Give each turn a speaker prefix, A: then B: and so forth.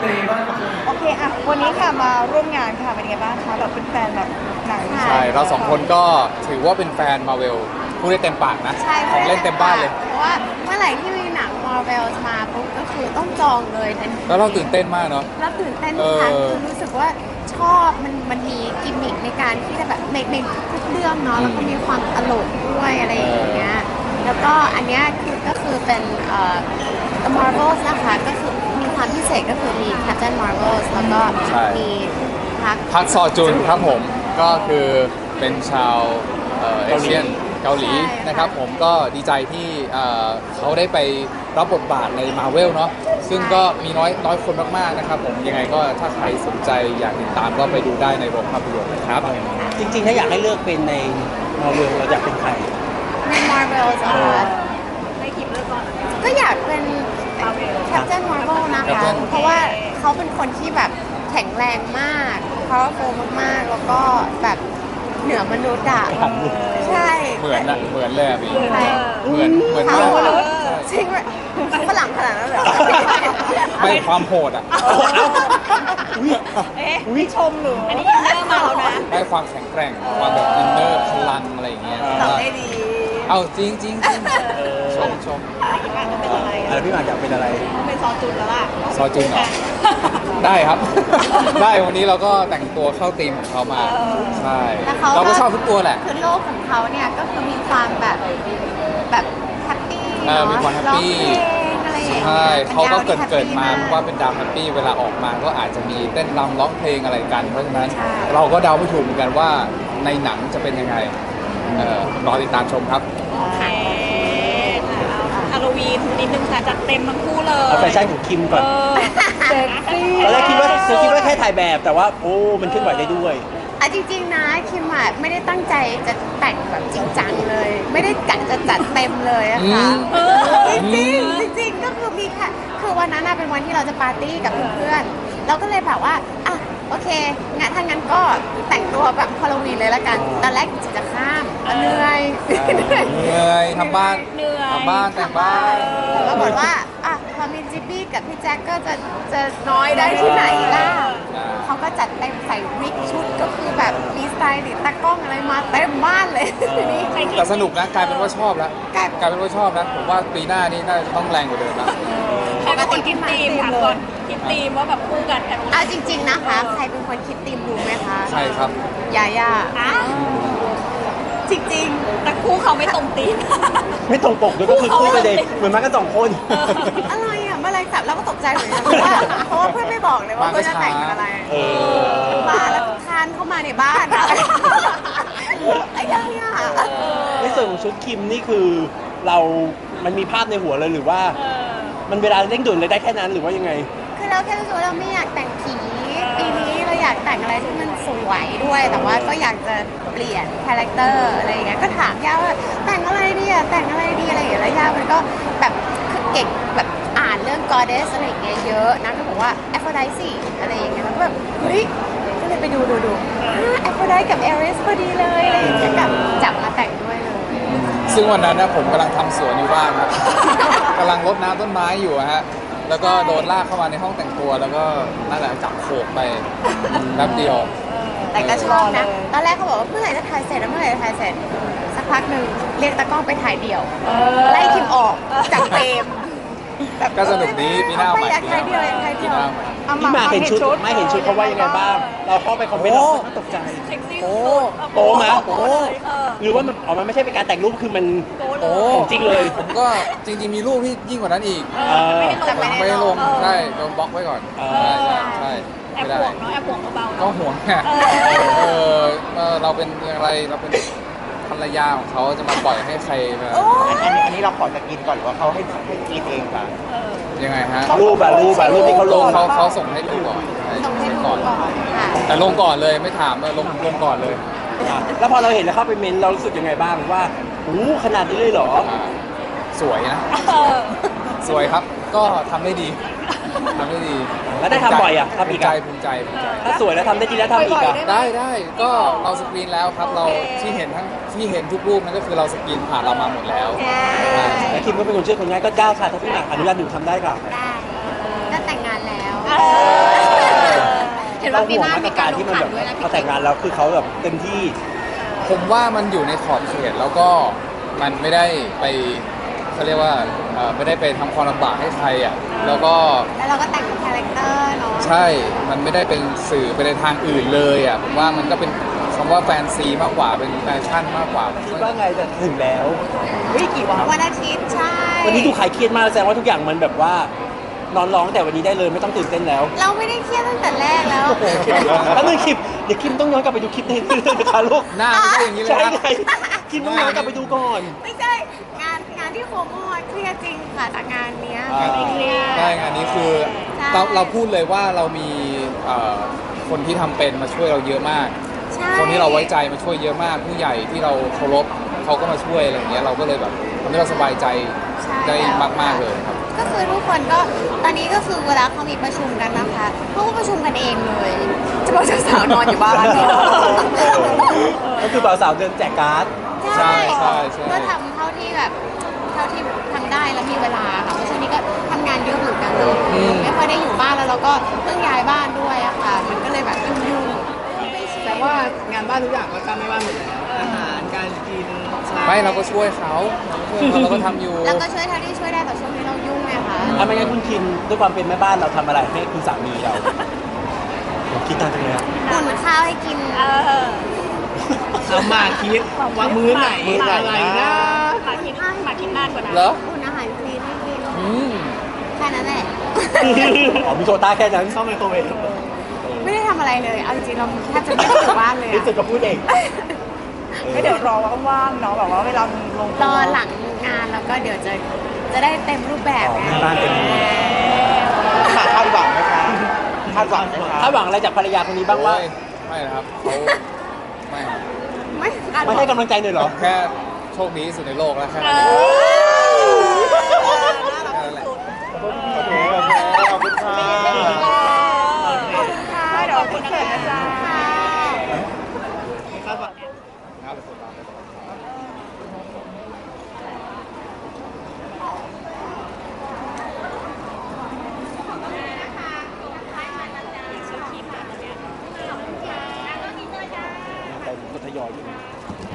A: โอเคอ่ะวันนี้ค่ะมาร่วมงานค่ะเป็นไงบ้างคะแบบเป็นแฟนแบบหนัง
B: ใช่เราสองคนก็ถือว่าเป็นแฟนมาเวลพูดได้เต็มปากนะ
C: ใช่
B: ของเล่นเต็มบ้านเลย
C: เพราะว่าเมื่อไหร่ที่มีหนัง Marvel มาปุ๊บก็คือต้องจองเลยทันที
B: แล้วเราตื่นเต้นมากเนาะ
C: แล้วตื่นเต้นทุกครั้ง
B: เออ
C: คือรู้สึกว่าชอบมันมีกิมมิคในการที่จะแบบในทุกเรื่องเนาะแล้วก็มีความตลกด้วยอะไรอย่างเงี้ยแล้วก็อันเนี้ยก็คือเป็นThe Marvels นะคะก็คือมีความพิเศษก็คือมี Captain Marvels แล้วก็มี
B: พักซอจุนครับผมก็คือเป็นชาวเอเชียนเกาหลีนะครับผมก็ดีใจที่เขาได้ไปรับบทบาทในมาเวลเนาะซึ่งก็มีน้อยคนมากๆนะครับผมยังไงก็ถ้าใครสนใจอยากติดตามก็ไปดูได้ในโรงภาพยนตร์นะครับ
D: จริงๆถ้าอยากให้เลือกเป็นในมาเวลเราอยากเป็นใคร
C: ใน Marvels นะคะก็อยากเป็น Captain Marvel นะคะ
B: Captain
C: เพราะว่าเขาเป็นคนที่แบบแข็งแรงมาก powerful มากๆ แล้วก็แบบเหนือมนุษย์อ่ะใช่
B: เหมือนเลยอะพี่
C: ใช่
B: เหมือน
C: เขา
B: มาก
C: จริงไหมฝรั่งขนาดนั้นเลยเหรอ
B: ไม่ความโหดอ่ะ
A: วิชมหรืออันนี้อินเนอร์มาแล้วนะ
B: ได้ความแข็งแกร่งความแบบอินเนอร์พลังอะไรอย่างเงี้ย
A: ตอบได้ดี
B: เอาจริงชม
D: อะไรพี่หมากอยากเป็นอะไร
A: เป็นซอจุนแล้วล่ะ
B: ซอจุนเหรอ ได้ครับ ได้วันนี้เราก็แต่งตัวเข้าธีมของเขามาใช่
C: แล้วเขา
B: เราก็ชอบทุกตัวแหละ
C: คือโลกของเขาเนี่ยก็คือมีความแบบแฮปปี้
B: มีความแฮปปี้
C: ร้องเพลงอะไรอย่างเงี้ย
B: ใช่เขาก็เกิดมา
C: ป็นดวที่แฮปปี้
B: ว่าเป็นดาวแฮปปี้เวลาออกมาก็อาจจะมีเต้นรำร้องเพลงอะไรกัน เพราะฉะนั้น
C: ใช่
B: เราก็เดาไม่ถูกเหมือนกันว่าในหนังจะเป็นยังไงรอติดตามชมครับ
A: โอเคฮาโลวีนนิดนึงค่ะจัดเต็มทั้งคู่เลย
D: เอาแฟชั่นของคิมก่อน
A: เซ็กซี่
D: ตอนแรกคิดว่าแค่ถ่ายแบบแต่ว่าโอ้มันเคลื่อนไหวได้ด้วย
C: อ่ะจริงๆนะคิมอ่ะไม่ได้ตั้งใจจะแต่งแบบจริงจังเลย ไม่ได้กะจะจัดเต็มเลยอะค่ะ จริงๆจริงๆก็คือมีค่ะคือวันนั้นน่ะเป็นวันที่เราจะปาร์ตี้กับเพื่อนๆเราก็เลยแบบว่าอ่ะโอเคงั้นถ้างั้นก็แต่งตัวแบบฮาโลวีนเลยละกันตอนแรกจะข้ามเหนื่อย
B: เหนื่อยทำบ้านทำบ้านแต่งบ้าน
C: ก็บอกว่าอ่ะพอมีจิบบี้กับพี่แจ็คก็จะน้อยได้ที่ไหนล่ะเขาก็จัดเต็มใส่วิกชุดก็คือแบบมีสไตล์ดิตากล้องอะไรมาเต็มบ้านเลยนี่
B: แต่สนุกนะกลายเป็นว่าชอบแล้วกลายเป็นว่าชอบนะผมว่าปีหน้านี้น่าจะต้องแรงกว่าเดิมแล้ว
A: ใครเป็นคนคิดธีมถามก่อนคิดธีมว่าแบบคู่กันแต่
C: เอาจริงๆนะคะใครเป็นคนคิดธีมรู้ไหมคะ
B: ใช่ครับ
C: ยาย่า
A: อ้าว
C: จริง
A: แต่คู่เขาไม่ตรงธีม
D: ไม่ตรงปกด้วยก็คือคู่ไปเลยเหมือนมากันสองคน
C: ๆ อะไรอ่ะเมื่อไรสับเราก็ตกใจเหมือนกันเพราะว่าเพื่อนไม่บอกเลยว่าเพื่อนจะแต่งเป็นอะไร มาแล้วก็คานเข้ามาในบ้านอะไอ้ยาย่า
D: ในส่วนของชุดคิมนี่คือเรามันมีภาพในหัวเลยหรือว่า มันเวลาเร่งด่วนเลยได้แค่นั้นหรือว่ายังไง
C: คือเราแค่รู้สึกว่าเราไม่อยากแต่งผีปีนี้เราอยากแต่งอะไรที่มันสวยด้วย แต่ว่าก็อยากจะเปลี่ยนคาแรคเตอร์อะไรอย่างเงี้ยก็ถามย่าว่าแต่งอะไรดีอะแต่งอะไรดีอะไรอย่างเงี้ยแล้วย่ามันก็แบบคือเก่งแบบอ่านเรื่อง goddess อะไรอย่างเงี้ยเยอะนะก็บอกว่า Aphrodite อะไรอย่างเงี้ยแล้วก็แบบเฮ้ยก็เลยไปดูAphrodite กับ Ares พอดีเลยอะไรอย่างเงี้ยกับจับมาแต่งด้วยเลย
B: ซึ่งวันนั้นนะผมกำลังทำสวนอยู่บ้านครับ กำลังรดน้ำต้นไม้อยู่อะฮะ แล้วก็โดนลากเข้ามาในห้องแต่งตัว แล้วก็นั่นแหละจับโขกไปแป๊บเดียว
C: แต่ก็ชอบนะ ตอนแรกเขาบอกว่าเมื่อไหร่จะถ่ายเสร็จแล้วเมื่อไหร่จะถ่ายเสร็จ สักพักหนึ่งเรียกตากล้องไปถ่ายเดี่ยว ไล่คิมออกจากเฟรมแบบ
B: ก็สนุกดีปีหน้าใหม่
C: ไม่อยากถ่ายเดี่ยวอยากถ่าย
B: ปี
C: เดี่ยว
B: หน้าใหม่
D: พี่หมากเห็นชุดไม่เห็นชุดเขาว่ายังไงบ้าง เราเข้าไปคอมเมนต์เราก็ตกใจ
A: เซ็กซี่
B: โอ้
D: โป๊ะไหม
A: โป๊ะเลยเออ
D: หรือว่ามันออกมาไม่ใช่เป็นการแต่งรูปคือมัน
A: โป๊ะเล
B: โอ้
A: ย
D: ของจริงเลย
B: ผมก็จริงๆมีรูปที่ยิ่งกว่านั้นอีก
A: ไม่ได้ลง
B: ผมไม่ได้ลงใช่โดนบล็อกไว้ก่อน ใช่
A: แอบ
B: ไม่
A: ห่
B: ได้
A: วงเนาะแอบห่วงเบาๆ
B: ก็
A: เนาะ
B: ห่วงไงเราเป็นอะไรเราเป็นภรรยาของเขาจะมาปล่อยให้ใครมา
E: อันนี้เราขอจะกินก่อนหรือว่าเขาให้กินเองคะ
B: ยังไงฮะ
D: รูปที่เขาลง
B: เขาส่งให้ดูก่อน
C: ส่งให้ดู
B: ก่อน
C: ก่อนค่ะ
B: แต่ลงก่อนเลยไม่ถามลงก่อนเลย
D: แล้วพอเราเห็นแล้วเข้าไปเมนต์เรารู้สึกยังไงบ้างว่าโอ้ขนาดนี้เลยเหรอ
B: สวยนะ
A: เออ
B: สวยครับก็ทำได้ดีทำได้ดี
D: แล้วได้ทำบ่อยอ่ะทำอีกอ่ะ
B: ภูมิใจ
D: ถ้าสวยแล้วทำได้จริงแล้วทำอีกอ่ะ
B: ได้ก็เราสกรีนแล้วครับเราที่เห็นทุกรูปนั่นก็คือเราสกรีนผ่านเรามาหมดแล้ว
D: แต่คิมก็เป็นคนเชื่อคนง่ายก็ได้ค่ะถ้าพี่หมากอนุญาตหนูทำได้ค่ะ
C: ได้ก็แต่งงานแล้ว
A: เออ
D: เราห่วงมาตรการที่มันแบบพอแต่งงานแล้วคือเขาแบบเต็มที่
B: ผมว่ามันอยู่ในขอบเขตแล้วก็มันไม่ได้ไปเขาเรียกว่าไม่ได้ไปทำความลำบากให้ใครอ่ะแล้วก็
C: แล้วเราก็แต่งเป็นคาแรคเตอร์เนาะ
B: ใช่ มันไม่ได้เป็นสื่อไปในทางอื่นเลยอ่ะผมว่ามันก็เป็นคำว่าแฟนซีมากกว่าเป็นแฟชั่นมากกว่า
D: คิดว่าไงแต่ถึงแล้ว
A: วิกี่วัน
C: วันอาทิตย์ใช่
D: วันนี้ดูขายเครียดมากแสดงว่าทุกอย่างมันแบบว่านอนร้องแต่วันนี้ได้เลยไม่ต้องตื่นเต้นแล้ว
C: เราไม่ได้เครียดตั้งแต่แรกแล้ว
D: แล้วนึงคลิปเดี๋ยวคิมต้องย้อนกลับไปดูคลิปนี้เลยนะคะลูก
B: หน้าไม่ใช่อย่างนี้เลย
D: ใช่
B: นะ
D: ไงคิมต้องย้อนกลับไปดูก่อน
C: ไม่ใช่งานที่โคโมเครียดจริงค่ะแต่งานเนี้ย
B: อ่า
C: ไม่เครียด
B: ใช่งานนี้คือ
C: ใช่
B: เราพูดเลยว่าเรามีคนที่ทำเป็นมาช่วยเราเยอะมาก
C: ใช่
B: คนที่เราไว้ใจมาช่วยเยอะมาก ผู้ใหญ่ที่เราเคารพเขาก็มาช่วยอะไรอย่างเงี้ยเราก็เลยแบบทำให้เราสบายใจได้มากๆเลยครับ
C: ก็คือทุกคนก็ตอนนี้ก็คือเวลาเขามีประชุมกันนะคะเขาก็ประชุมกันเองเลยจะบอกเจ้าสาวนอนอยู่บ้าน
D: ก็คือบ่าวสาวเดินแจกการ์ด
B: ใช่ใช่ใช่
C: ก็ทำเท่าที่แบบเท่าที่ทำได้แล้วมีเวลาค่ะเพราะช่วงนี้ก็ทำงานเยอะเหมือนกันเนอะไม่ค่อยได้อยู่บ้านแล้วเราก็เพิ่งย้ายบ้านด้วยอะค่ะ มันก็เลยแบบยุ่งๆ
F: แต่ว่างานบ้านทุกอย่างก็ทำไม่บ้านหมดแล้วอาหารการกิน
B: ไม่เราก็ช่วยเขาเราก็ทำอยู่
C: แล้วก็ช่วยเท่าที่ช่วยได้แต่ช่วงนี้เรายุ่งไงคะ
D: ถ้าไม่งั้นคุณคิมด้วยความเป็นแม่บ้านเราทำอะไรให้คุณสามีเราผมคิดตามจังเลยอะ
C: อุ่นข้าวให้กิน
F: เอามาคิดว่ามื้อไหนอะไรนะ
C: มาคิดนานกว่านั้น
B: เหรอ
C: อุ่นอาหารคลีนให้กิน
B: อืม
C: แค่นั้นแหละ
D: อ๋อมีโควต้าแค่นั้น
F: เข้าไมโครเวฟ
C: ไม่ได้ทำอะไรเลยเอาจริงๆเราแทบจะไม่ได้อยู่บ้านเลย
D: ที่สุด
C: อะ
D: ก็พูดเอง
A: ก็เดี๋ยวรอว่างๆเนาะแบบว่าเวลาลง
C: รอหลังงานแล้วก็เดี๋ยวจะได้เต็มรูปแบบไง
D: บ้านเต็มที่
E: คาดหวังไหมคะคาดหวังไหมคะ
D: ถ้าหวังอะไรจากภรรยาคนนี้บ้างว่า
B: โอ้ยไม่นะครับเขาไม่ครับ
C: ไม่คาดห
D: ไม่
C: วัง
D: ให้กำลังใจเลยเหรอ
B: แค่โชคดีที่สุดในโลกแล้วแค่นั้น
C: เอ
B: เอง
C: อ
B: แค่นั้นแหละ
E: โอเคขอบคุณค่ะ
A: ค่ะเดี๋ยวคุณเขินนะจ๊ะ
C: ค่ะ
B: ครับ
D: แต่ก็ทยอยอยู่